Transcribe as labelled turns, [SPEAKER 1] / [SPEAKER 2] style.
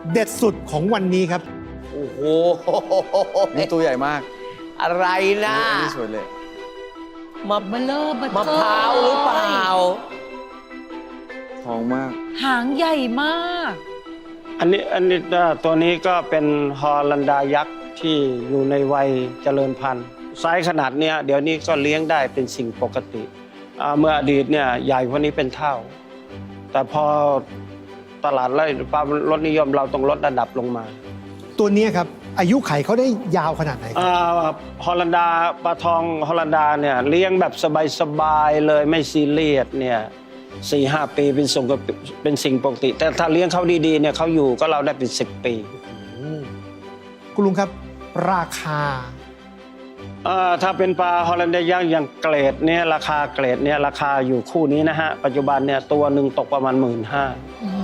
[SPEAKER 1] เด็ดสุดของวันนี้ครับ
[SPEAKER 2] โอ้โห
[SPEAKER 3] นี่ตัวใหญ่มาก
[SPEAKER 2] อะไรนะ
[SPEAKER 3] อันนี้สวยเลย
[SPEAKER 2] มะ
[SPEAKER 4] เบลอเบลอ
[SPEAKER 2] มะพร้าวหรือเปล่า
[SPEAKER 3] ทองมาก
[SPEAKER 4] หางใหญ่มาก
[SPEAKER 5] อันนี้ตัวนี้ก็เป็นฮอลันดายักษ์ที่อยู่ในวัยเจริญพันธุ์ไซส์ขนาดเนี้ยเดี๋ยวนี้ก็เลี้ยงได้เป็นสิ่งปกติเมื่ออดีตเนี่ยใหญ่กว่านี้เป็นเท่า แต่พอตลาดไล่ความลดนิยมเราต้องลดระดับลงมา
[SPEAKER 1] ตัวนี้ครับอายุไขเขาได้ยาวขนาดไหนครับ
[SPEAKER 5] ฮอลันดาปลาทองฮอลันดาเนี่ยเลี้ยงแบบสบายๆเลยไม่ซีเรียสเนี่ย4-5 ปีเป็นสิ่งปกติ แต่ถ้าเลี้ยงเขาดีๆเนี่ยเขาอยู่ก็เราได้เป็น10 ปี
[SPEAKER 1] คุณลุงครับราคา
[SPEAKER 5] ถ้าเป็นปลาฮอลันดายักษ์อย่างเกรดเนี่ยราคาเกรดเนี่ยราคาอยู่คู่นี้นะฮะปัจจุบันเนี่ยตัวหนึ่งตกประมาณ15,000